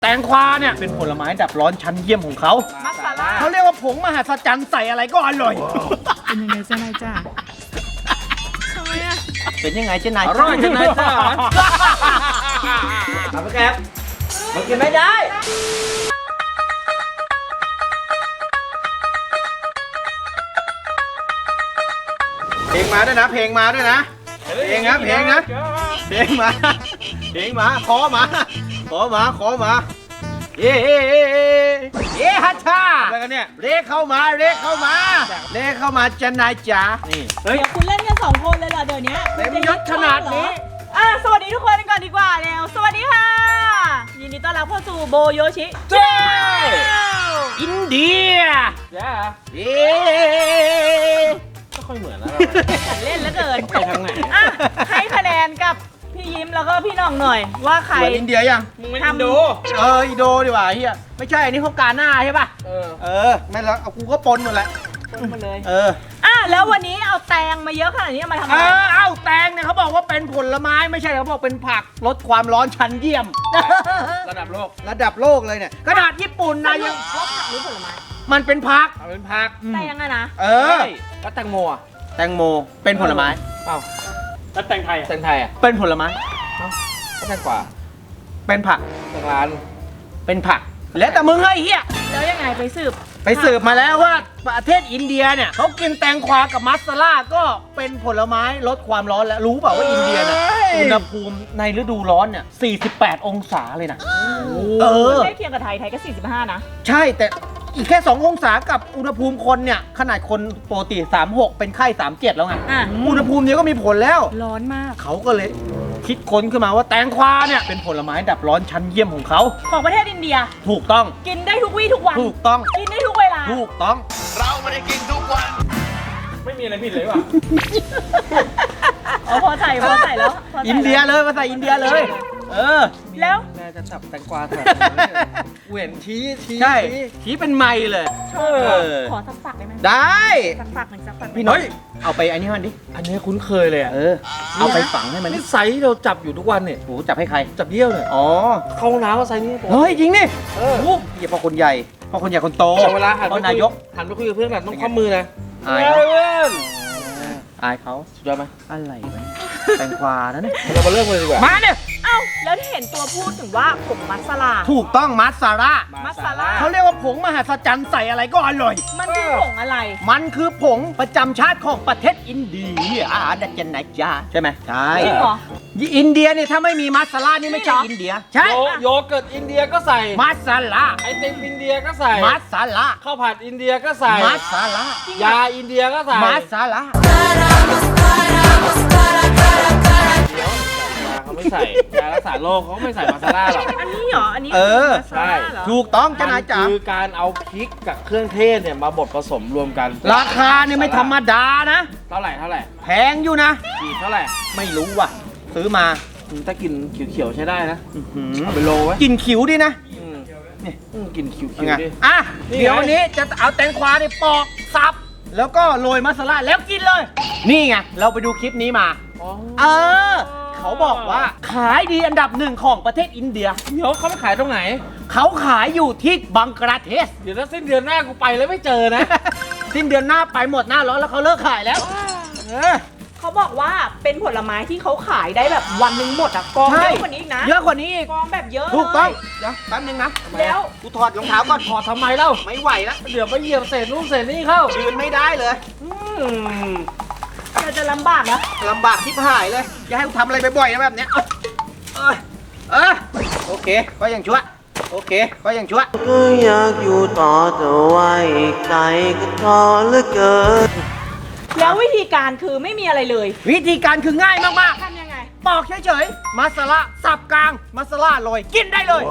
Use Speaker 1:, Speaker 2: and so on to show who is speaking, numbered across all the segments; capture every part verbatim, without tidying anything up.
Speaker 1: แตงควาเนี่ยเป็นผลไม้ดับร้อนชั้นเยี่ยมของเขามัสซาล่าเขาเรียกว่าผงมหัศจรรย์ใส่อะไรก็อร่อย
Speaker 2: เป็นยังไงเจ้านายจ้าทำไมอ่ะ
Speaker 1: เป็นยังไงเจ้านาย
Speaker 3: อร่อยเจ้านายจ้าเอาไปแคปมันกินไม่ได้
Speaker 1: เพลงมาด้วยนะเพลงมาด้วยนะเพลงนะเพลงนะเพลงมาเพลงมาขอมาขอมาขอมาเย้เย้เย้ฮัทชาอะไรกันเนี่ยเรียกเข้ามาเรียกเข้ามาเรียกเข้ามาเจ้านายจ๋านี่
Speaker 2: เดี๋ยวคุณเล่นกันสองคนเลยเหรอเดี๋ยวนี้
Speaker 1: เต็มยศขนาดนี้
Speaker 2: อ่ะสวัสดีทุกคนก่อนดีกว่าเร็วสวัสดีค่ะยินดีต้อนรับเข้าสู่โบโยชิ
Speaker 1: เจ้อินเดีย
Speaker 3: เย้
Speaker 1: เย้
Speaker 3: ไม่ค่อยเหมือนนะ
Speaker 2: ฉันเล่นแล้วเกิน
Speaker 3: ไปทางไหน
Speaker 2: อ่ะให้คะแนนกับพี่ยิ้มแล้วก็พี่น้องหน่อยว่าใคร
Speaker 1: เหมือนอินเดียยัง
Speaker 3: มึงไม่ทำดู
Speaker 1: เอออินโดดีกว่าเฮียไม่ใช่อันนี้เขากาหน้าใช่ป่ะ
Speaker 3: เออ
Speaker 1: เออแม่แล้วเอากูก็ปนหมดแหละ
Speaker 2: ปนหมดเลย
Speaker 1: เออ
Speaker 2: อ่ะแล้ววันนี้เอาแตงมาเยอะขนาดนี้มาทำอะไร
Speaker 1: เออเอาแตงเนี่ยเขาบอกว่าเป็นผลไม้ไม่ใช่เขาบอกเป็นผักลดความร้อนชั้นเยี่ยม
Speaker 3: ระดับโลก
Speaker 1: ระดับโลกเลยเนี่ยขนาดญี่ปุ่นนะยัง
Speaker 2: ว่าผักหรือผลไม้
Speaker 1: มันเป็นผัก
Speaker 3: เอาเป็นผัก
Speaker 2: แตงอะนะ
Speaker 1: เออ
Speaker 3: แล้วแตงโมอ่ะ
Speaker 1: แตงโมเป็นผลไม้
Speaker 3: เอ้าแล้วแตงไทยแตงไทยอ่ะ
Speaker 1: เป็นผลไม้
Speaker 3: เอ้าก็แตงกวา
Speaker 1: เป็นผัก
Speaker 3: แตงร้าน
Speaker 1: เป็นผักแล้วแต่มึงไอ้เหี้ย
Speaker 2: แล้วยังไงไปสืบ
Speaker 1: ไปสืบมาแล้วว่าประเทศอินเดียเนี่ยเขากินแตงควากับมัสซาล่าก็เป็นผลไม้ลดความร้อนแล้วรู้เปล่าว่าอินเดียเนี่ยอุณหภูมิในฤดูร้อนเนี่ยสี่สิบแปดองศาเลยนะ
Speaker 2: เออใกล้เคียงกับไทยไทยก็สี่สิบห้านะ
Speaker 1: ใช่แต่อีกแค่สององศากับอุณหภูมิคนเนี่ยขนาดคนปกติสามสิบหกเป็นไข้สามสิบเจ็ดแล้วไงอุณหภูมินี้ก็มีผลแล้ว
Speaker 2: ร้อนมาก
Speaker 1: เขาก็เลยคิดค้นขึ้นมาว่าแตงควาเนี่ยเป็นผลไม้ดับร้อนชั้นเยี่ยมของเขา
Speaker 2: ของประเทศอินเดีย
Speaker 1: ถูกต้อง
Speaker 2: กินได้ทุกวี่ทุกวัน
Speaker 1: ถูกต้อง
Speaker 2: กินได้ทุกเวลา
Speaker 1: ถูกต้องเราไม่ได้กินทุกวัน
Speaker 3: ไม่มีอะไรผิดเลยว่ะ
Speaker 2: อ๋อพอใส่พอใส่แล้ว
Speaker 1: อินเดียเลยมาใส่อินเดียเลยเออ
Speaker 2: แล้ว
Speaker 3: แม่จะจับแตงกวาแถบเวียนชี้ชี้
Speaker 1: ใช่ชี้เป็นไม้เลย
Speaker 2: ขอสักฝักได้ไหม
Speaker 1: ได้
Speaker 2: สักฝักหนึ่งสักฝัก
Speaker 1: พี่น้อยเอาไปอันนี้มันดิ
Speaker 3: อันนี้คุ้นเคยเลยอ่ะ
Speaker 1: เออเอาไปฝังให้มัน
Speaker 3: นี่ไซส์เราจับอยู่ทุกวันเนี่ย
Speaker 1: โอ้จับให้ใคร
Speaker 3: จับเยี่ยวเนี่ย
Speaker 1: อ๋อ
Speaker 3: เข้าห้องน้ำก็ไซส์นี้
Speaker 1: เฮ้ยจริงนี่เออเหี้ยพอคนใหญ่พอคนใหญ่คนโต
Speaker 3: เวลาหันไป
Speaker 1: นายก
Speaker 3: หันไปคุยกับเพื่อนแบบต้องข้อมือนะ
Speaker 1: อายเขาอายเขา
Speaker 3: สุดยอดไหม
Speaker 1: อะไรไหมแตงควานะเนี่ย
Speaker 3: เรามาเริ่มเลยดีกว่า
Speaker 1: มาเนี่ย
Speaker 2: เอ้าแล้วที่เห็นตัวพูดถึงว่าผงมัสลา
Speaker 1: ถูกต้องมัสซาล่า
Speaker 2: มัสซาล่า
Speaker 1: เขาเรียกว่าผงมหัศจรรย์ใส่อะไรก็อร่อย
Speaker 2: มันคือผงอะไร
Speaker 1: มันคือผงประจำชาติของประเทศอินเดียอ่าดัจเจนไหนจ้าใช่ไหมใช่
Speaker 2: จริงเหรอ
Speaker 1: อินเดียเนี่ยถ้าไม่มีมัสซาล่านี่ไม่ใช่อินเดียใช่
Speaker 3: โยเกิร์ตอินเดียก็ใส่
Speaker 1: มัสซาล่า
Speaker 3: ไอติมอินเดียก็ใส่
Speaker 1: มัสซาล่า
Speaker 3: ข้าวผัดอินเดียก็ใส่
Speaker 1: มัสซาล่าย
Speaker 3: าอินเดียก็ใส่
Speaker 1: มัสซาล่า
Speaker 3: เขาไม่ใส่ยารักษาโรคเขาไม่ใส่มัสลาหรอก
Speaker 2: อันนี้เหรออันนี้
Speaker 1: เออ
Speaker 3: ใช่
Speaker 1: ถูกต้องจ้านายจ๋า
Speaker 3: คือการเอาพริกกับเครื่องเทศเนี่ยมาบดผสมรวมกัน
Speaker 1: ราคาเนี่ยไม่ธรรมดานะ
Speaker 3: เท่าไหร่เท่าไหร่
Speaker 1: แพงอยู่นะ
Speaker 3: กี่เท่าไหร่
Speaker 1: ไม่รู้ว่ะซื้อมา
Speaker 3: ถ้ากินเขียวๆใช้ได้นะเอาไปโลไว้
Speaker 1: กินขิวดินะ
Speaker 3: นี่กินขิวๆดิ
Speaker 1: อ่ะเดี๋ยววันนี้จะเอาแตงควาเนี่ยปอกสับแล้วก็โรยมัสลาแล้วกินเลยนี่ไงเราไปดูคลิปนี้มาเออเขาบอกว่าขายดีอันดับหนึ่งของประเทศอินเดีย
Speaker 3: เดี๋ยวเขาไปขายตรงไหน
Speaker 1: เขาขายอยู่ที่บังกลาเทศ
Speaker 3: เดี๋ยวถ้าสิ้นเดือนหน้ากูไปแล้วไม่เจอนะ
Speaker 1: สิ้นเดือนหน้าไปหมดหน้าร้อนแล้วเขาเลิกขายแล้ว
Speaker 2: เขาบอกว่าเป็นผลไม้ที่เขาขายได้แบบวันหนึ่งหมดอ่ะกองเยอะกว่านี้อีกนะ
Speaker 1: เยอะกว่านี้อีก
Speaker 2: กองแบบเยอะ
Speaker 1: ถูกต้องเดี๋ยวแป๊บนึงนะ
Speaker 2: แล้ว
Speaker 1: กูถอดรองเท้าก่อน
Speaker 3: ถอดทำไมเล่า
Speaker 1: ไม่ไหวแล้ว
Speaker 3: เดี๋ยวไปเหยียบเศษนู่นเศษนี่เข้า
Speaker 1: ยืนไม่ได้เลย
Speaker 2: เราจะลำบากนะ
Speaker 1: ลำบากที่หายเลยอย่าให้กูทำอะไรบ่อยๆนะแบบเนี้ยเออเออโอเคก็ยังชั่วโอเคก็ยังชั่ว
Speaker 4: ก็อยากอยู่ต่อแต่ว่าอีกใจก็ท้อเหลือเกิน
Speaker 2: แล้ววิธีการคือไม่มีอะไรเลย
Speaker 1: วิธีการคือง่ายมาก
Speaker 2: ๆทำยังไง
Speaker 1: ปอกเฉยๆมัสลาสับกลางมัสลาโรยกินได้เลย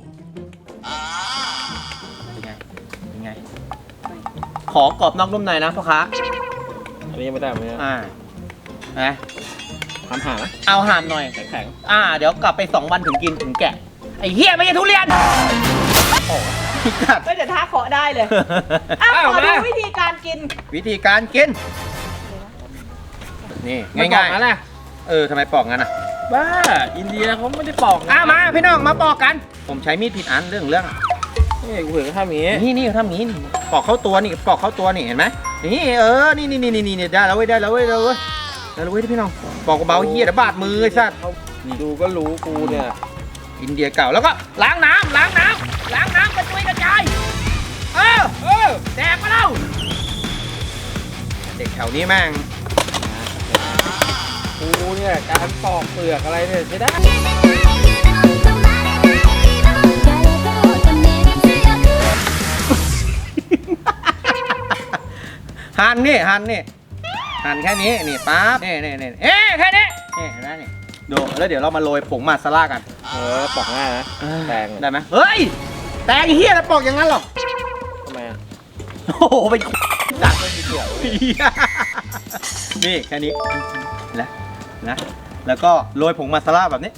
Speaker 1: เป็นไงเป็นไงขอกรอบนอกนุ่มในนะพ่อค้า
Speaker 3: อันนี้ไม่ได้ไหม
Speaker 1: อ่านะ
Speaker 3: ทำห่างนะ
Speaker 1: เอาห่ามหน่อย
Speaker 3: แข็ง
Speaker 1: อ่าเดี๋ยวกลับไปสองวันถึงกินถึงแกะไอ้เหี้ยไม่ใช่ทุเรียน
Speaker 2: โอ้ไม่แต่ท่าเคาะได้เลยอ้าวขอดูวิธีการกิน
Speaker 1: วิธีการกินนี่ง่ายๆนะเออทำไมปอกงั้นอ่ะ
Speaker 3: บ้าอินเดียเขาไม่ได้ปอกนะ
Speaker 1: อ่ะมาพี่น้องมาปอกกัน ผมใช้มีดผิดอันเรื่องเรื่อง
Speaker 3: นี่กูเห็นเขาทำอย่างงี้
Speaker 1: นี่นี่เขาทำอย่างนี้นี่ปอกเข้าตัวนี่ปอกเข้าตัวนี่เห็นไหมนี่เออนี่นี่นี่นี่นี่ได้แล้วเว้ยได้แล้วเว้ยได้แล้วเว้ยได้แล้วเว้ยพี่น้องปอกเบาๆเฮียเดี๋ยวบาดมือไอ้สัตว์
Speaker 3: นี่ดูก็รู้กูเนี่ย
Speaker 1: อินเดียเก่าแล้วก็ล้างน้ำล้างน้ำล้างน้ำกระจุยกระจายเออเออแดกมาแล้วเด็กแถวนี้แม่ง
Speaker 3: กูเนี่ยการปอกเปลือกอะไรเนี่ยใช้ได้
Speaker 1: หั่นนี่หั่นนี่หั่นแค่นี้นี่ปั๊บนี่นี่นี่เอ๊ะแค่นี้นี่เห็นไหมนี่ดูแล้วเดี๋ยวเรามาโรยผงมาซาล่ากัน
Speaker 3: เออปอกง่ายนะแตง
Speaker 1: ได้ไหมเฮ้ยแตงเฮียแล้วปอกอย่างนั้นหรอ
Speaker 3: ทำไมอ่ะ
Speaker 1: โอ้โหเป็นจัดเลยทีเดียวนี่แค่นี้นะนะแล้วก็โรยผงมาซาล่าแบบนี้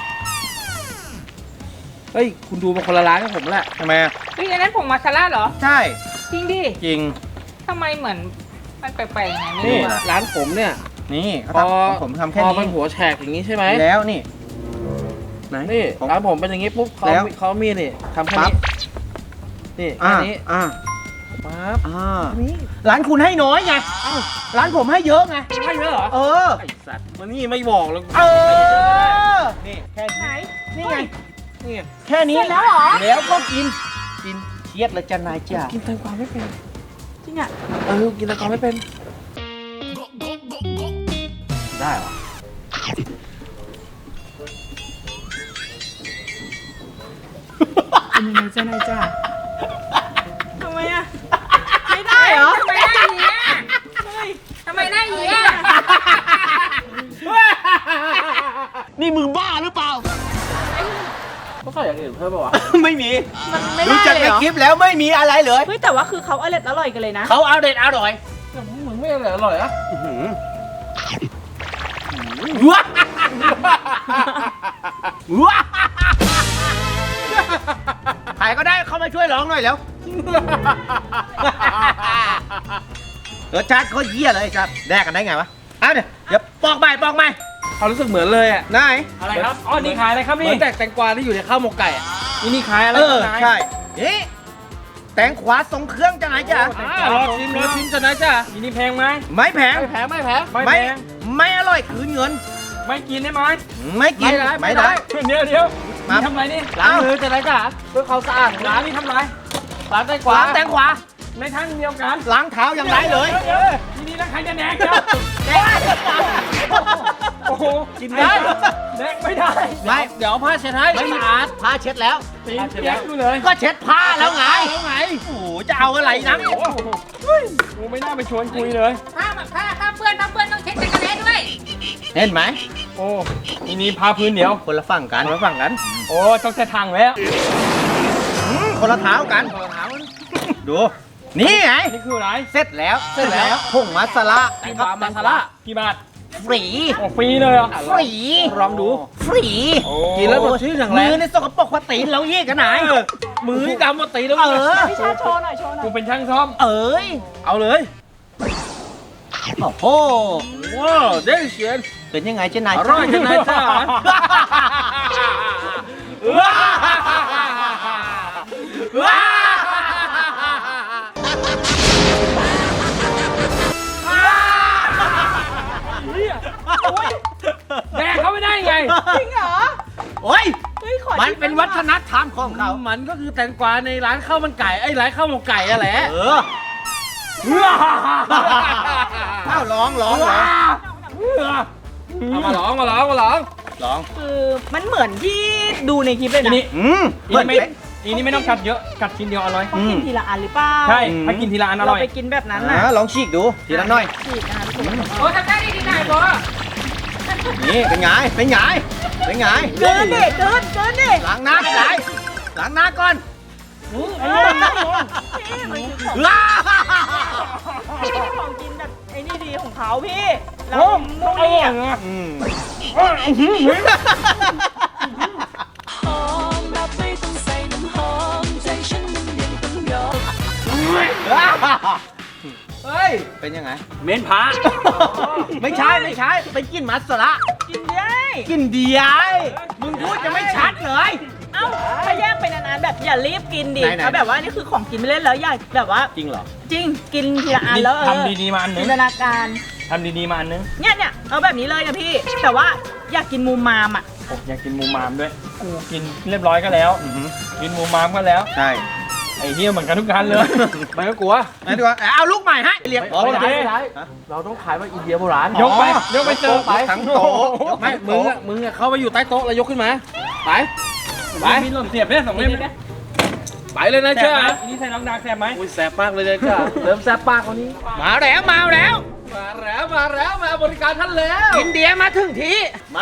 Speaker 3: เฮ้ยคุณดูมาคนละร้านกับผมแหละ
Speaker 1: ทำไมอ่ะ
Speaker 2: เฮ้ยอันนั้นผงมาซาล่าเหรอ
Speaker 1: ใช่
Speaker 2: จริงดิ
Speaker 1: จริง
Speaker 2: ทำไมเหมือนมันแปลกๆไงไม่
Speaker 3: นี่
Speaker 2: รู้อะ
Speaker 3: ร้านผมเนี่ย
Speaker 1: นี่เขา
Speaker 3: พอ
Speaker 1: ทำผมทำแค่
Speaker 3: พอ
Speaker 1: นี้
Speaker 3: มันหัวแฉกอย่างนี้ใช่ไหม
Speaker 1: แล้วนี่ไหน
Speaker 3: นี่
Speaker 1: ผม
Speaker 3: ร้านผมเป็นอย่างนี้ปุ๊บเขา
Speaker 1: แล้ว
Speaker 3: มีเขามีนี่ทำแค่
Speaker 1: ปั๊บ
Speaker 3: นี้นี่แค่
Speaker 1: อ่า
Speaker 3: นี้
Speaker 1: อ่า
Speaker 3: ปั๊บ
Speaker 1: อ่า
Speaker 3: นี่
Speaker 1: ร้านคุณให้น้อยไงร้านผมให้เยอะไง
Speaker 3: ไม่เยอะเหรอ
Speaker 1: เออ
Speaker 3: ไอสัตว์มันนี่ไม่บอกแล้ว
Speaker 1: เออ นี่แค่
Speaker 2: ไหน
Speaker 1: นี้นี่ไง
Speaker 3: นี่ไง
Speaker 1: แค่นี้
Speaker 2: เสร็จแล้วเหรอ
Speaker 1: แล้วก็กิน กินเชียดแล้วจะนายจ้า
Speaker 3: กินแตงกวาไม่เป็น
Speaker 2: จริงอ่ะ
Speaker 3: เออกินแตงกวาไม่เป็นได้เหรอ
Speaker 2: เป็นยังไงจ้านายจ้าทำไมอ่ะ ไม่ได้เหรอ
Speaker 5: ทำไมหน้าอย่างเงี้ย
Speaker 2: เฮ้ย
Speaker 5: ทำไมหน้าอย่างเงี้ย
Speaker 1: นี่มึงบ้าหรือเปล่า
Speaker 3: ก็ใส่อย่างอื่นเพิ่มป่าวะ
Speaker 1: ไม่มี
Speaker 2: มันไม่
Speaker 1: รู้
Speaker 2: ได้
Speaker 1: จัก
Speaker 2: เลย
Speaker 1: ใน
Speaker 2: เหรอ
Speaker 1: คลิปแล้วไม่มีอะไรเลย
Speaker 2: เฮ้ยแต่ว่าคือเขาอร่อยอร่อยกันเลยนะ
Speaker 1: เขาเอาเด็ดอร่อย
Speaker 3: แต่มึงไม่อร่อยอร่อยอะ
Speaker 1: ว้าว้าใครก็ได้เข้ามาช่วยร้องหน่อยแล้วรสชาติเขาเยี่ยเลยครับแดกกันได้ไงวะอ้าวเดี๋ยวเดี๋ยวปอกใหม่ปอกใหม่
Speaker 3: เขารู้สึกเหมือนเลยอ่ะ
Speaker 1: นาย
Speaker 3: อะไรครับอ๋อนี่ขายอะไรครับนี่เหมือนแต่แตงกวาที่อยู่ในข้าวหมกไก่อะนี่นี่ขายอะไร
Speaker 1: เออ
Speaker 3: ครับนาย
Speaker 1: ใช่นี่แตงขวาทรงเครื่องจะไหนจ้ะ
Speaker 3: อ่ารอชิมรอชิมจะนะจ้ะนี่นี่แพงไหม
Speaker 1: ไม่แพง
Speaker 3: ไม่แพงไม่แพง
Speaker 1: ไม่ไม่อร่อยคืนเงิน
Speaker 3: ไม่กินได้ไหม
Speaker 1: ไม่กินไม่ได้
Speaker 3: เดี๋ยวเดี๋ยว
Speaker 1: มา
Speaker 3: ทำไรนี่ล้างมือจะไรจ้ะเพื่อเขาสะอาดร้านนี่ทำไรร้านแตงกวา
Speaker 1: ล้างแตงขวา
Speaker 3: ในทั้งเดียวกัน
Speaker 1: ล้างเท้ายังไรเลย
Speaker 3: ทีนี้แล้วใครจะแดกจ้ะ
Speaker 1: แดก
Speaker 3: โอ้โหกินได้แดกไม่ได้
Speaker 1: ไม่
Speaker 3: เดี๋ยวเอาผ้าเช็ดให้
Speaker 1: ไม่
Speaker 3: สะอาด
Speaker 1: ผ้าเช็ดแล้ว
Speaker 3: ตีนเปียกดูเลย
Speaker 1: ก็เช็ดผ้าแล้วไง
Speaker 3: แล้วไง
Speaker 1: โอ้โหจะเอาอะไรนัก
Speaker 3: โอ้โหเฮ้ยกูไม่น่าไปชวนคุยเลย
Speaker 5: ถ้าถ้าถ้าเปื้อนถ้าเปื้อนต้องเช็ดจักรแล้ด้วย
Speaker 1: เห็นไหม
Speaker 3: โอ้นี่นี่พาพื้นเดียว
Speaker 1: คนละฝั่งกัน
Speaker 3: คนละฝั่งกัน โอ้ต้องใช้ทางแล้ว
Speaker 1: อืมคนละเท้ากัน
Speaker 3: คนละทาง
Speaker 1: ดู นี่ไง
Speaker 3: นี่คืออะไร
Speaker 1: เสร็จแล้ว
Speaker 3: เสร็จแล้ว
Speaker 1: ผงมัสลา
Speaker 3: แตงกวามาซาร่ากี่บาท
Speaker 1: ฟรี
Speaker 3: โอ้ฟรีเลยเหรอ
Speaker 1: ฟรี
Speaker 3: ลองดู
Speaker 1: ฟรี
Speaker 3: โอ้กินแล้วสดชื่นอย่างแร
Speaker 1: มื
Speaker 3: ง
Speaker 1: อในสกปรกกว่าตีนเราเยี่กันไหน
Speaker 3: มือนี่ดำมาตีแล้ว
Speaker 1: เออ
Speaker 2: พี่ชาโชว์หน่อยโชว์หน่อ
Speaker 3: กู
Speaker 2: ย
Speaker 3: เป็นช่างซ่อม
Speaker 1: เอ้ย
Speaker 3: เอาเลย
Speaker 1: โอ้โห
Speaker 3: ว้าวเด้เชียน
Speaker 1: เป็นยังไงเจ้านาย
Speaker 3: อร่อยจังนายจ้า
Speaker 1: ว้าว้า
Speaker 3: แดกเขาไม่ได้ไง
Speaker 2: จริงเหรอ
Speaker 1: โอ้ย
Speaker 2: เฮ้ยขอ
Speaker 1: มัน
Speaker 2: ชิ
Speaker 1: เป็นวัฒนธรรมของเขา
Speaker 3: มันก็คือแตงกวาในร้านข้าวมันไก่ไอ้ร้านข้าวหมกไก่อะแหละ
Speaker 1: เออเอ้าร้องร้องร้อง
Speaker 3: เอามาลองมาลองมาลอง
Speaker 1: ร้อง
Speaker 2: คือมันเหมือนที่ดูในคลิปเลยนะ
Speaker 3: นี่
Speaker 1: อืม
Speaker 3: อีนี่ไม่อีนี่ไม่ต้องกัดเยอะกัดชิ้นเดียวอร่อย
Speaker 2: ต้องกินทีละอันหรือเปล่า
Speaker 3: ใช่
Speaker 1: อืม
Speaker 3: ถ้ากินทีละอันอ
Speaker 2: เรา
Speaker 3: ร่อย
Speaker 2: ไปกินแบบนั้น
Speaker 1: อ่า
Speaker 2: น่ะ
Speaker 1: ลองฉีกดูทีละหน่อย
Speaker 2: ฉีกนะคะทุกคน
Speaker 5: โอ้ทำได้ดีดีหน่อยโบ
Speaker 1: นี่เป็นไงเป็นไงเป็นไง
Speaker 2: เกินดิเกินเกินดิ
Speaker 1: ล้างหน้าก่อนล้างหน้าก่อน
Speaker 2: เออพี่มันคือของ
Speaker 1: ว้า
Speaker 2: พี่ของกินแบบไอ้นี่ดีของเขาพี่เรา
Speaker 3: โอ้
Speaker 2: มู
Speaker 3: อ
Speaker 2: นี่
Speaker 3: ร่อย
Speaker 2: อ่ะ
Speaker 3: นะ
Speaker 1: อืม
Speaker 3: เฮ้ย
Speaker 1: เป็นยังไง
Speaker 3: เมนพา
Speaker 1: ไม่ใช่ไม่ใช่เป็นกินมัสละ
Speaker 2: กินได้
Speaker 1: กินเดียมึงพูดจะไม่ชัดเลย
Speaker 2: เอ้าถ้าแยกเป็นอันๆแบบอย่ารีบกินดิ
Speaker 1: ไหนๆ
Speaker 2: เอาแบบว่านี่คือของกินไม่เล่นแล้วอย่าแบบว่า
Speaker 1: จริงเหรอ
Speaker 2: จริงกินทีละอันแล้วเออ
Speaker 3: ทำดีๆมาอันนึ
Speaker 2: จิ
Speaker 3: ง
Speaker 2: นตนาการ
Speaker 3: ทำดีๆมาอันนึง
Speaker 2: เนี่ยเนี่ยเอาแบบนี้เลยนะพี่ แต่ว่าอยากกินมูมามอ่ะ
Speaker 3: โอ้อยากกินหมูมามด้วยกูกินเรียบร้อยก็แล้วกินหมูมามก็แล้ว
Speaker 1: ใช่
Speaker 3: ไอ้เหี้ยเหมือนกันทุกคันเลยมันก็กลัว
Speaker 1: งั้นดีกว่าเอาลูกใหม่ให้เรียก
Speaker 3: โอเค
Speaker 6: เราต้องขายว่าอินเดียโบราณ
Speaker 3: ยกไปยกไปเสิร์ฟ
Speaker 1: ไปทั้งโต๊ะ
Speaker 6: ไม่มึงอะมึงอะเข้าไปอยู่ใต้โต๊ะแล้วยกขึ้นมา ไป
Speaker 3: ไปมีหล่นเสียบเนี่ยสองเล่มเนี่ย
Speaker 6: ไปเลยนะ
Speaker 3: แซ่
Speaker 6: เชื่
Speaker 3: บ
Speaker 6: อ
Speaker 3: ไหมนี่ใส่น้องดักแซ่บไหม
Speaker 6: อุ้ยแสบมากเลยนะจ้าเริ่มแสบปากคนนี้
Speaker 1: มาแล้วมาแล้ว
Speaker 6: มาแล้วมาแล้วมาบริการท่านแล้ว
Speaker 1: อินเดียมาถึงทีมา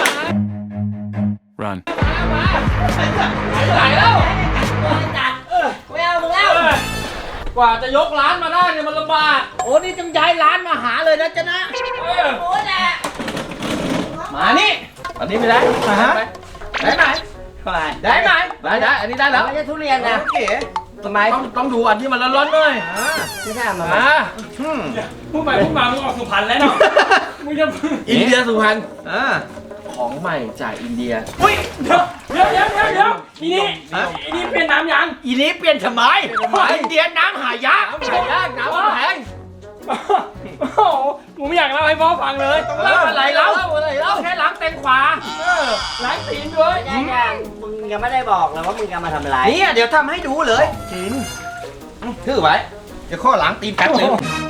Speaker 7: Run.
Speaker 6: ไหนแล้ว
Speaker 2: ไม่เอามึงแล้ว
Speaker 6: กว่าจะยกร้านมาได้เนี่ยมันลำบาก
Speaker 1: โอ้นี่ต้องย้ายร้านมาหาเลยนะจ๊ะนะ
Speaker 6: เออ
Speaker 2: โอ้แหละ
Speaker 1: มานี่
Speaker 6: อันนี้ไม่ได้
Speaker 1: อ่าฮะ
Speaker 6: ได้ไหม
Speaker 1: ได้ไหม
Speaker 6: ได้ได้อันนี้ได้แล้ว
Speaker 1: ไม่ใช่ทุเรียนนะโอเค
Speaker 6: ทำไมต้องต้องดูอันที่มันร้อนๆหน่อย
Speaker 1: อ่า
Speaker 6: ไม่ใช่มาอ่า
Speaker 1: อืม
Speaker 3: พูดไปพูดมามึงออกสุพรรณแล้วเนาะมึงจะ
Speaker 6: อินเดียสุพรรณ
Speaker 1: อ่า
Speaker 6: ของใหม่จากอินเดีย
Speaker 3: อุ้ยเดี๋ยวเดี๋ยวเดี๋ยวเดี๋ยวเดี๋ยวอีนี่อีนี่เปลี่ยนน้ำยัง
Speaker 1: อีนี้เปลี่ยนทำไมอินเดียน้ำหายาก
Speaker 6: น้ำหายากน้ำมันแพง
Speaker 3: โอ้โหกูไม่อยากเล่าให้พ่อฟังเลย
Speaker 6: ต้องเล่าอะไรเล่าอะไรเล่า
Speaker 1: แค่ล้างแตงขวา
Speaker 3: ล้างตีนด้วย
Speaker 4: ยังมึงยังไม่ได้บอกเลยว่ามึงจะมาทำอะไร
Speaker 1: เนี่ยเดี๋ยวทำให้ดูเลยกินถือไว้ เดี๋ยวข้อหลังตีนแป๊บนึง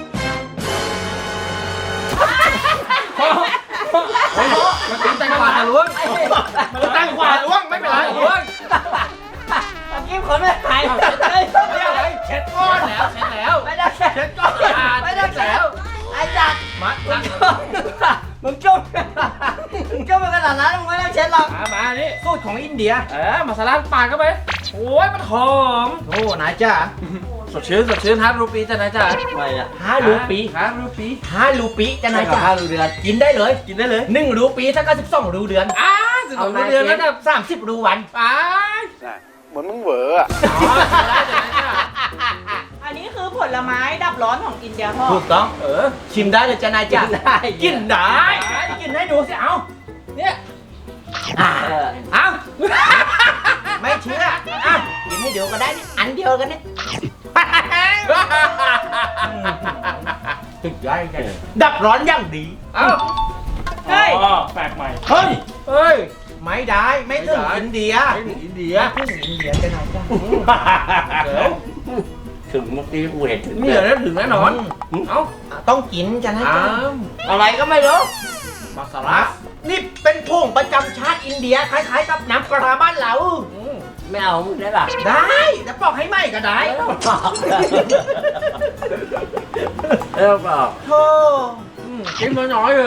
Speaker 1: มันตีนแตงขวาทะลวงมันแตงขวาล้วงไม่เป็นไรล้วง
Speaker 4: ตะกี้คนไม่หาย
Speaker 1: เช็ดก้อนแล้วเช็ดแล้ว
Speaker 4: ไม่ได้แค่
Speaker 1: เช็ดก้อน
Speaker 4: ไม่ได้แค่ไอ้จัด
Speaker 1: มา
Speaker 4: มึงจุ๊บมึงจุ๊บมึงจุ๊บไปขนาดนั้นมึงไม่ต้องเช็ดหรอก
Speaker 6: มามานี่
Speaker 1: สูตรของอินเดีย
Speaker 6: เออมาสลัดปากเข้าไปโอ้ยมันหอม
Speaker 1: โอ้นายจ้า
Speaker 6: สดชื่นสดชื่นฮาร์ดรูปีจ้ะนายจ้า
Speaker 4: ไม่ละ
Speaker 1: ห้ารูปี
Speaker 6: ฮาร์ดรูปี
Speaker 1: ห้ารูปีจะนายจ้า
Speaker 4: ห้ารูเดือน
Speaker 1: กินได้เลย
Speaker 6: กินได้เลย
Speaker 1: หนึ่งรูปีถ้าก็สิบสองรูเดือน
Speaker 6: อ้าสิบสองเดือนแล้วนะ
Speaker 1: สามสิบรูวัน
Speaker 6: อ้า
Speaker 7: เหมือนมึงเหวออ่ะ
Speaker 6: อ๋อได้จ้ะนายจ้า
Speaker 2: อันนี้คือผลไม้ดับร้อนของอินเดียพ่อ
Speaker 1: ถูกต้อง
Speaker 6: เออ
Speaker 1: ชิมได้เลยจ้านายจ้า
Speaker 4: ได้
Speaker 1: กินได้กินให้ดูสิเอา
Speaker 6: เนี่ย
Speaker 1: อ่ะ
Speaker 4: เออ
Speaker 1: เอาไม่เชื่ออ่ะกินให้ดูก็ได้นี่อันเดียวกันนี่สุดยอดจริงดับร้อนอย่างดี
Speaker 6: เอ้า
Speaker 2: เฮ้ย
Speaker 3: อ๋อแปลกใหม่
Speaker 1: เฮ้ย
Speaker 6: เฮ้ย
Speaker 1: ไม่ได้ไม่ถึง
Speaker 6: ไม่ได้
Speaker 1: อินเดีย
Speaker 6: ไม่ถึงอินเดีย
Speaker 1: ไม่ถึงอินเดียจะไหนจ้า
Speaker 6: เดี๋ยว
Speaker 4: ถึงเมื่อกี้กูเห็นถึง
Speaker 6: นี่เหรอถึงแน่นอน เอ้า
Speaker 1: ต้องกินจะไหน
Speaker 6: อ้า
Speaker 1: จ้าว
Speaker 4: อะไรก็ไม่รู้
Speaker 6: มาส
Speaker 1: ค
Speaker 6: ลั
Speaker 1: รั
Speaker 6: ด
Speaker 1: บนี่เป็นผงประจำชาติอินเดียคล้ายๆกับน้ำปลาบ้านเรา
Speaker 4: ไม่เอามึงได้ป่ะ
Speaker 1: ได้จะปอกให้ไหมก็ได้
Speaker 4: ไม่ต้องบอกเออบอก
Speaker 1: โธ่
Speaker 6: กินน้อยๆเลย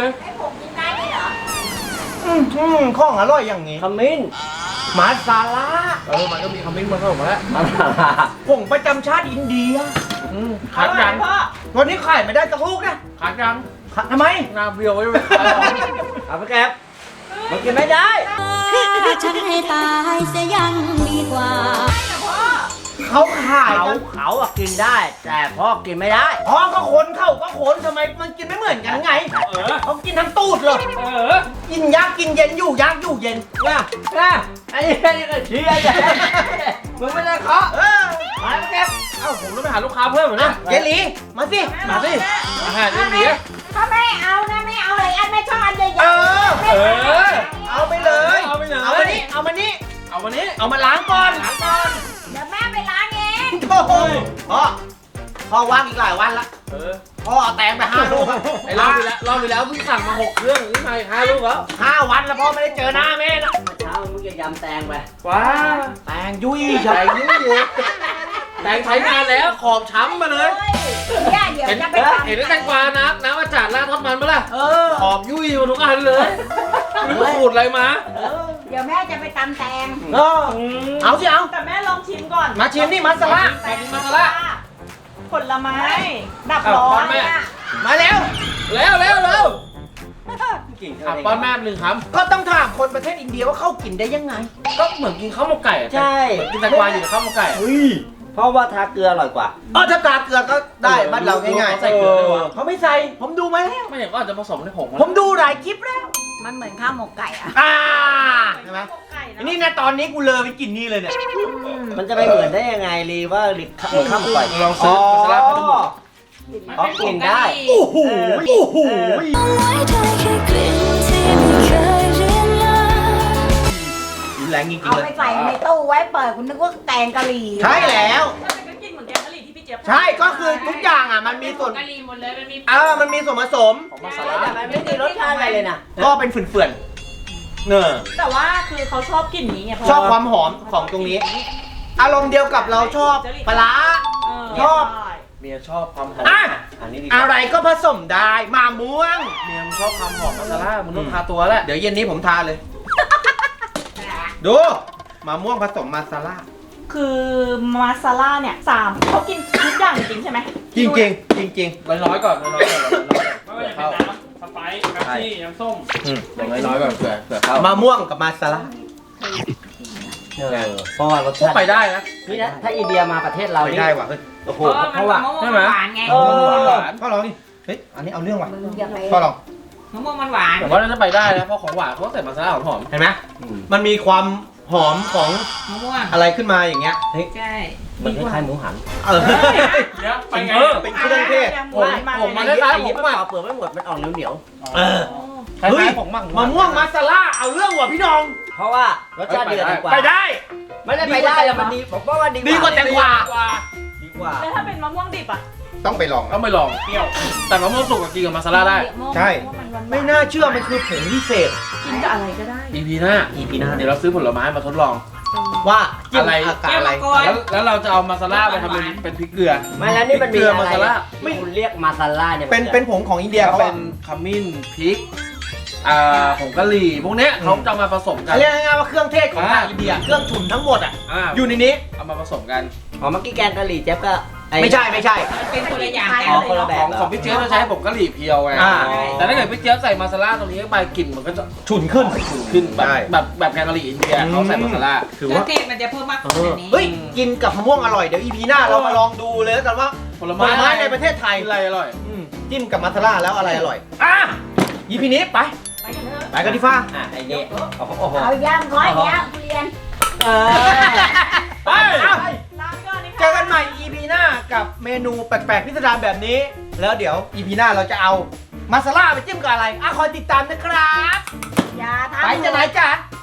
Speaker 1: อืมอืมของอร่อยอย่างนี้
Speaker 4: ขมิ้น
Speaker 1: มาซาลา
Speaker 6: เออมันก็มีคอมเมนต์มาเข้ามาแล้ว
Speaker 1: ผงประจำชาติอินเดีย
Speaker 6: อืม
Speaker 2: อ
Speaker 6: ขาด
Speaker 2: ร่อ
Speaker 6: ยั
Speaker 2: ย
Speaker 6: ง
Speaker 2: พ่อ
Speaker 1: วันนี้ขายไม่ได้สักลูกนะ
Speaker 6: ขาดยัง
Speaker 1: ขาดทำไม
Speaker 6: หน้าเบี้ยวไว้เลย
Speaker 4: เอาไปแก็บมันกินไม่ได้
Speaker 8: ฆ่าฉันให้ตายเสียยังดีกว่า
Speaker 1: เขาขาย
Speaker 4: เขา
Speaker 1: กัน
Speaker 4: เขาอะกินได้ แต่พ่อกินไม่ได้
Speaker 1: อ๋อก็คนเขาก็คนทำไมมันกินไม่เหมือนกันไง
Speaker 3: เออ
Speaker 1: เขากินทั้งตูดเลย
Speaker 3: เออ
Speaker 1: กินยากกินเย็นอยู่ยากอยู่เย็นนะ
Speaker 4: นะอันนี้อันนี้ก็เชียร์เลยมึงไม่ได้เคาะ
Speaker 1: เออ
Speaker 4: มาไปแก็บ
Speaker 6: เอ้าผมต้องไปหาลูกค้าเพิ่มเหรอเนี่ย
Speaker 1: เจลีมาสิ
Speaker 6: มาสิอาหารอินเดีย
Speaker 5: ถ้าไม่เอานะไม่เอาอะไรอันไม่ชอบอันใหญ่
Speaker 1: เออ
Speaker 6: เออ
Speaker 1: เอาไปเลย
Speaker 6: เอาไปเลย
Speaker 1: เอามานี่เอามานี่
Speaker 6: เอาวันนี้
Speaker 1: เอามาล้างก่อนล้างก่อน
Speaker 5: เดี๋ยวแม่ไปล้างเอง
Speaker 1: โอ้โหพ่อพ่อว่างอีกหลายวันละ
Speaker 6: เออ
Speaker 1: พ่อเอาแตงไปห้าลูกอะ
Speaker 6: ไอ้รอบที่แล้วรอบที่แล้วเพิ่งสั่งมาหกเครื่องนี่มาอีกห้าลูกแล้ว
Speaker 1: ห้าวันแล้วพ่อไม่ได้เจอหน้าแม่นะ
Speaker 4: เช้ามึงจะยำแตงไป
Speaker 6: ว้า
Speaker 1: แตงยุ่ย
Speaker 6: แตงยิ่งเยอะแตงใช้งานแล้วขอบช้ำมาเลย
Speaker 5: เนี่ยเดี๋ยว
Speaker 6: เห็น
Speaker 5: จะไปทำ
Speaker 6: เห็นแตงกวาน้ำน้ำอาจารย์ราดทอดมันปะล่ะ
Speaker 1: เออ
Speaker 6: ขอบยุ่ยมาทุกอันเลยไม่รู้ขูดอะไรมา
Speaker 5: เดี๋ยวแม่จะไปตำแตง
Speaker 1: เออเอาสิเอา
Speaker 2: แต่แม่ลองชิมก่อน
Speaker 1: มาชิมนี่มัสลา
Speaker 6: แตงมาซะละ
Speaker 2: ผลไม้ ดับร้อน
Speaker 6: แม่
Speaker 2: เนี่ย
Speaker 1: มาแล้ว
Speaker 6: เร็วเร็วเร็ว
Speaker 4: กิน
Speaker 6: อ่ะป้อนแม่หนึ่งค
Speaker 1: ก็ต้องถามคนประเทศอินเดียว่าเขากินได้ยังไง
Speaker 6: ำก็เหมือนกินข้าวหมกไก่อะ
Speaker 4: ใช่
Speaker 6: กินแตงกวาอยู่ในข้าวหมกไก่
Speaker 4: เฮ้ยเพราะว่าทาเกลืออร่อยกว่า
Speaker 1: เออถ้ากาเกลือก็ได้บ้านเราง่าย
Speaker 6: ใส่เกลือด้วยวะ
Speaker 1: ๆเขาไม่ใส่ ผมดูมาแล้ว
Speaker 6: ไม่อย่างก็อาจจะผสมในผง
Speaker 1: ผมดูหลายคลิปแล้ว
Speaker 5: มันเหมือนข้าวหมกไก่อะ
Speaker 1: อ่าใช่ไหม
Speaker 2: ไก่นะ
Speaker 1: นี่นะตอนนี้กูเลอไปกินนี่เลยเนี่ย
Speaker 4: มันจะไปเหมือนได้ยังไงรีว่ารีเหมือนข้าวหมกไก่
Speaker 6: ลองซื้อมาซาร่าพัดหมู
Speaker 4: อ๋อกินได้
Speaker 1: โอ้โหโอ้โห
Speaker 8: ไว้ได้แค่กลิ่นที่ไม่เคยเรียนเลย
Speaker 1: แรงจริง
Speaker 5: เอา
Speaker 1: ๆเล
Speaker 5: ไป
Speaker 1: ย
Speaker 5: ใส่ในตู้ไว้เปิดคุณนึกว่าแกงกะหรี่
Speaker 1: ใช่แล้ว
Speaker 2: ถ้าเป็นก็กินเหมือนแกงกะหรี่ที่พี่เจี๊ยบ
Speaker 1: ใช่ก็คือทุกอย่างอ่ะมันมีส่วน
Speaker 2: กะหรี่หมดเลยมันมี
Speaker 1: เออมันมีส่วนผสม
Speaker 6: ของมาซาร่า
Speaker 4: แต่มันไม่มีรสชาติอะไรเลยนะ
Speaker 1: ก็เป็นเฟื่อนๆเนอ
Speaker 2: แต่ว่าคือเขาชอบกลิ่นนี้ไงเพระ
Speaker 1: ชอบความหอมของตรงนี้ อารมณ์เดียวกับเราชอบปลาร้า
Speaker 2: เ
Speaker 1: ชอบ
Speaker 2: ใ
Speaker 6: เมียชอบความหอม
Speaker 1: อ่ะ
Speaker 4: อันนี้ดี
Speaker 1: อะไรก็ผสมได้มาม่วง
Speaker 6: เมียมึงชอบความหอมมาซาร่ามึงต้องทาตัวแหละ
Speaker 1: เดี๋ยวเย็นนี้ผมทานเลย ดูมะม่วงผสมมาซาร่า
Speaker 2: คือมาซาล่าเนี่ยสามเขากินทุกอย่างจริงๆใช่ไหม
Speaker 1: จริงจริงจริงจริง
Speaker 6: น้อยๆก่อนน้อยๆก่อนน้อยๆก่อน
Speaker 3: ไม่ว่าจะ
Speaker 6: เผื่อ
Speaker 3: เป็น
Speaker 6: เข้า
Speaker 3: น้ำสไปซ์แป๊บซี่น้ำส้ม
Speaker 6: อย่างน้อยๆก่อนเผื่อเผื่อเข้า
Speaker 1: ๆมะม่วงกับมาซาร่า
Speaker 4: เออเพราะว่ารส
Speaker 6: พวก
Speaker 4: ชาติ
Speaker 6: ไปได้นะ
Speaker 4: นี่นะถ้าอินเดียมาประเทศเรา
Speaker 1: ไม่
Speaker 4: นี่
Speaker 1: ได้ว่ะเฮ้ย
Speaker 4: โอ้โห
Speaker 5: เพราะว่ามันมะม่วง
Speaker 6: ใช่
Speaker 5: มัน
Speaker 6: ไหม
Speaker 5: หวานไง
Speaker 1: เออ
Speaker 6: หวาน
Speaker 1: พ่อลองดิเฮ้ยอันนี้เอาเรื่องว่ะ
Speaker 5: มึงอย่าไป
Speaker 1: พ่อลอง
Speaker 5: มะม่วงมันหวาน
Speaker 6: แต่ว่าน่าจะไปได้นะเพราะของหวานเขาใส่มาซาร่าหอม
Speaker 1: เห็นไหมมันมีความหอมของ
Speaker 5: มะม่วง
Speaker 1: อะไรขึ้นมาอย่างเงี้ย
Speaker 5: ใช่
Speaker 4: มันคล้ายๆหมูหัน
Speaker 1: เออ
Speaker 3: เดี๋ยวไปไง
Speaker 1: เออเป็นเครื่องเทศ
Speaker 2: หวานมาก
Speaker 6: ผมมา
Speaker 2: เลย
Speaker 6: ได้
Speaker 2: นะ
Speaker 6: ร้านผม
Speaker 4: มัน
Speaker 6: มา
Speaker 4: เปล่าเปลือกไม่หมดมันออกเหนียว
Speaker 1: เออ
Speaker 6: คล้าย
Speaker 1: เฮ้ย
Speaker 6: ๆของมั่ง
Speaker 1: มะม่วงมาซาร่าเอาเรื่องว่ะพี่น้อง
Speaker 4: ๆเพราะว่ารสชาติดีกว่าแตงกวา
Speaker 1: ไปได้
Speaker 4: ไม่ได้ไปได้แล้วมันดีผมว่าดี
Speaker 1: ดีกว่าแตงกวา
Speaker 4: ดีกว่า
Speaker 2: แล้วถ้าเป็นมะม่วงดิบอ่ะ
Speaker 1: ต้องไปลอง
Speaker 6: ต้องไปลองเปรี้ยว แต่มะม่วงสุกกับกินกับมาซาร่าได้
Speaker 1: ใช่ ไม่น่าเชื่อมันคือผงพิเศษ
Speaker 2: กินกับอะไรก็ได้
Speaker 6: อีพีหน้า
Speaker 1: อีพีหน้า
Speaker 6: เดี๋ยวเราซื้อผลไม้มาทดลอง
Speaker 1: ว่าจิ้ม
Speaker 6: อะไร
Speaker 1: อากาศอะไร
Speaker 6: แล้วแล้วเราจะเอามาซาร่าไปทำเป็นเป็นพริกเกลือ
Speaker 4: ไม่แล้วนี่มันมี
Speaker 6: เกลือ
Speaker 4: อะไร
Speaker 6: มาซาร่า
Speaker 4: ไม่คุณเรียกมาซาร่าเนี่ย
Speaker 1: เป็นเป็นผงของอินเดีย
Speaker 6: ก็
Speaker 1: เขา
Speaker 6: เป็
Speaker 1: เป็น
Speaker 6: นขมิ้นพริกอ่าผงกะหรี่พวกเนี้ยเขาจะเอามาผสมกัน
Speaker 1: เรียกง่ายๆว่าเครื่องเทศของทาง
Speaker 6: อ่า
Speaker 1: อินเดียเครื่องฉุนทั้งหมดอ่ะ
Speaker 6: อ่า
Speaker 1: อยู่ในนี้
Speaker 6: เอามาผสมกัน
Speaker 4: อ๋อเมื่อกี้แกงกะหรี่เจ๊บก็อ้
Speaker 1: ไม่ใช่ไม่ใช่
Speaker 5: มันเป็นคนละอย่าง
Speaker 2: อ๋
Speaker 5: กั
Speaker 4: อ๋อน คนละแบ
Speaker 6: ข
Speaker 4: บ
Speaker 6: องของพี่เจี๊ยบจะใช้ผงกะหรี่เพียวไง
Speaker 1: อ่า
Speaker 6: แต่ถ้าเกิดพี่เจี๊ยบใส่มาซาร่าตรงนี้เข้าไปกลิ่นมันก็จะ
Speaker 1: ฉุนขึ้น
Speaker 6: ฉุนขึ้นแบบ
Speaker 1: ใช่
Speaker 6: แบบแบบแกงกะหรี่อินเดียเขาใส่มาซาร่า
Speaker 1: ถือ
Speaker 5: เครื่อ
Speaker 1: ว่า
Speaker 5: งเทศมันจะเพิ่มมากกว่านี้
Speaker 1: เฮ้ยกินกับมะม่วงอร่อยเดี๋ยวอีพีหน้าเรามาลองดูเลยแล้วกันว่า
Speaker 6: ผล
Speaker 1: ผล
Speaker 6: ไม้
Speaker 1: ไม้ในประเทศไทย
Speaker 6: อะไรอร่อย
Speaker 1: อืมจิ้มกับมาซาร่าแล้วอะไรอร่อยอ่ะอีพีนี้ไป
Speaker 2: ไปกันเถอะ
Speaker 1: ไปกันที่ฟ้า
Speaker 4: อ่ะไอ้นี่โอ้โหโอ้โห
Speaker 5: เอาย่างร้อยย่างทุเรียน
Speaker 4: เออ
Speaker 1: ไปอ่ะ
Speaker 2: ลาไปก่อนนี่ค่ะ
Speaker 1: เจอกันใหม่ อี พี หน้ากับเมนูแปลกๆพิสดารแบบนี้ แล้วเดี๋ยว อี พี หน้าเราจะเอามาซาร่าไปจิ้มกับอะไรอ่ะคอยติดตามนะครับ
Speaker 5: อย่าทำ
Speaker 1: ไปจะไหนจ๊ะ